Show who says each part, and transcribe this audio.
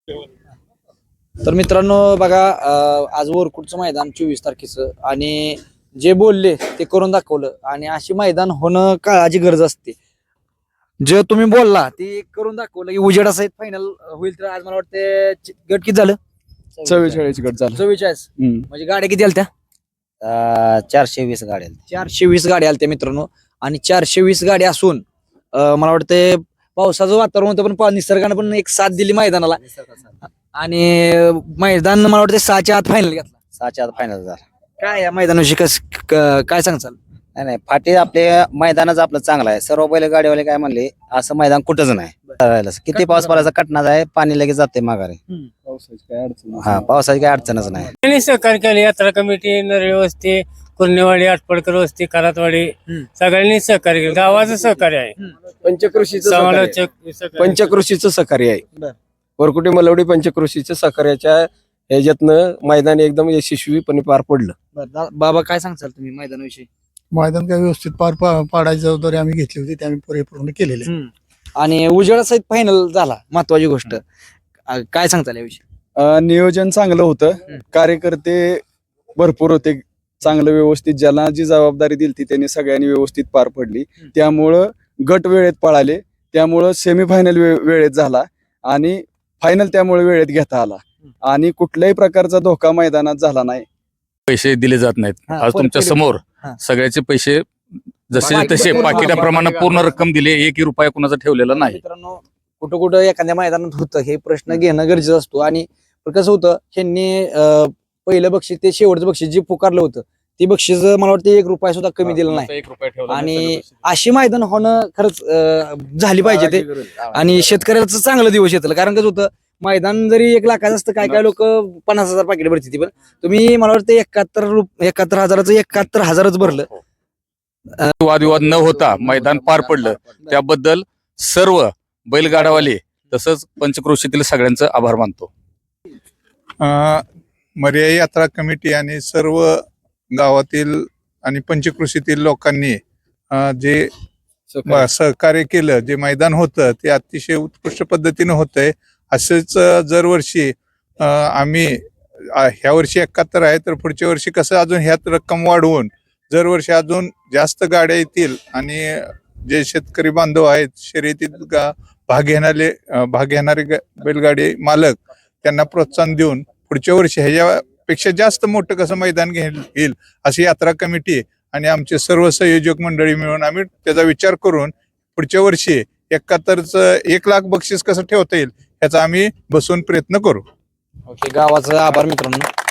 Speaker 1: तर मित्रांनो बघा आज वरकुटचं मैदान 24 तारखेचं आणि जे बोलले ते करून दाखवलं आणि अशी मैदान होणं काळाची गरज असते. जे तुम्ही बोलला ते करून दाखवलं की उजेडा सहित फायनल होईल. तर आज मला वाटतं गट किती झालं?
Speaker 2: 44 गट झालं.
Speaker 1: 44. म्हणजे गाड्या किती आल्या त्या?
Speaker 3: 420 गाड्या.
Speaker 1: 420 गाड्या आल्या त्या मित्रांनो. आणि 420 गाड्या असून मला वाटतं पावसाचं वातावरण होतं पण निसर्गानं पण एक साथ दिली मैदानाला आणि मैदान मला वाटतं 6च्या आत फायनल घेतला.
Speaker 3: 6च्या आत फायनल झाला.
Speaker 1: काय या मैदानाविषयी काय सांगचाल?
Speaker 3: नाही फाटी आपले मैदानच आपलं चांगलं आहे. सर्व बैल गाडीवाले काय म्हणले असं मैदान कुठंच नाही. किती पाऊस पडायचा कटणार आहे, पाणी लगेच जाते माघारी. पावसाची काय अडचणच नाही.
Speaker 4: सहकार्य केले. यात्रा कमिटी, नरळी वस्ती, कुर्नेवाडी, आटपडकर वस्ती, करातवाडी सगळ्यांनी सहकार्य केलं. गावाचं सहकार्य आहे.
Speaker 2: पंचकृषीचं सहकार्य आहे. वरकुटे मलवडी पंचकृषीच्या सहकार्याच्या ह्याच्यातनं मैदान एकदम यशस्वीपणे पार पडलं.
Speaker 1: बाबा काय सांगचाल तुम्ही मैदानाविषयी?
Speaker 5: मैदान काय व्यवस्थित पाडायची जबाबदारी आम्ही घेतली होती, ते आम्ही परिपूर्ण केलेले.
Speaker 1: आणि उजेडा सहित फायनल झाला, महत्वाची गोष्ट. काय सांगताल याविषयी?
Speaker 2: नियोजन चांगलं होतं. कार्यकर्ते भरपूर होते, चांगलं व्यवस्थित. ज्याला जी जबाबदारी दिली त्यांनी सगळ्यांनी व्यवस्थित पार पडली. त्यामुळं गट वेळेत पळाले, त्यामुळं सेमीफायनल वेळेत झाला आणि फायनल त्यामुळे वेळेत घेता आला आणि कुठल्याही प्रकारचा धोका मैदानात झाला नाही.
Speaker 6: पैसे दिले जात नाहीत. आज तुमच्या समोर सगळ्याचे पैसे जसे तसे पाकिटाप्रमाणे पूर्ण रक्कम दिली. एकही रुपया कुणाचा ठेवलेला नाही.
Speaker 1: मित्रांनो, कुठं कुठं एखाद्या मैदानात होतं हे प्रश्न घेणं गरजेचं असतो. आणि कसं होतं, ह्यांनी पहिलं बक्षीस ते शेवटचं बक्षीस जे पुकारलं होतं ते बक्षीस मला वाटतं 1 रुपया सुद्धा कमी दिलं नाही. आणि अशी मैदान होणं खरंच झाली पाहिजे ते. आणि शेतकऱ्याचं चांगलं दिवस येतं. कारण कसं होतं, मैदान जरी 1 लाखाचं असतं, काय लोक 50,000 पाकिट भरती. पण तुम्ही मला वाटतं 71,000चं 71,000च भरलं.
Speaker 6: वादविवाद न होता मैदान पार पडलं. त्याबद्दल सर्व बैलगाडावाले तसंच पंचक्रोशीतील सगळ्यांचं आभार मानतो.
Speaker 7: मर्याई यात्रा कमिटी आणि सर्व गावातील आणि पंचकृषीतील लोकांनी जे सहकार्य केलं, जे मैदान होतं ते अतिशय उत्कृष्ट पद्धतीनं होतंय. असंच दरवर्षी आम्ही ह्या वर्षी 71 आहे, तर पुढच्या वर्षी कसं अजून ह्यात रक्कम वाढवून दरवर्षी अजून जास्त गाड्या येतील आणि जे शेतकरी बांधव आहेत, शर्यतीत भाग घेणारे बैलगाडी मालक, त्यांना प्रोत्साहन देऊन पुढच्या वर्षी ह्याच्यापेक्षा जास्त मोठं कसं मैदान घेईल अशी यात्रा कमिटी आणि आमचे सर्व संयोजक मंडळी मिळून आम्ही त्याचा विचार करून पुढच्या वर्षी 71चं 1 लाख बक्षीस कसं ठेवता येईल याचा आम्ही बसून प्रयत्न करू.
Speaker 1: ओके, गावाचा आभार मित्रांनो.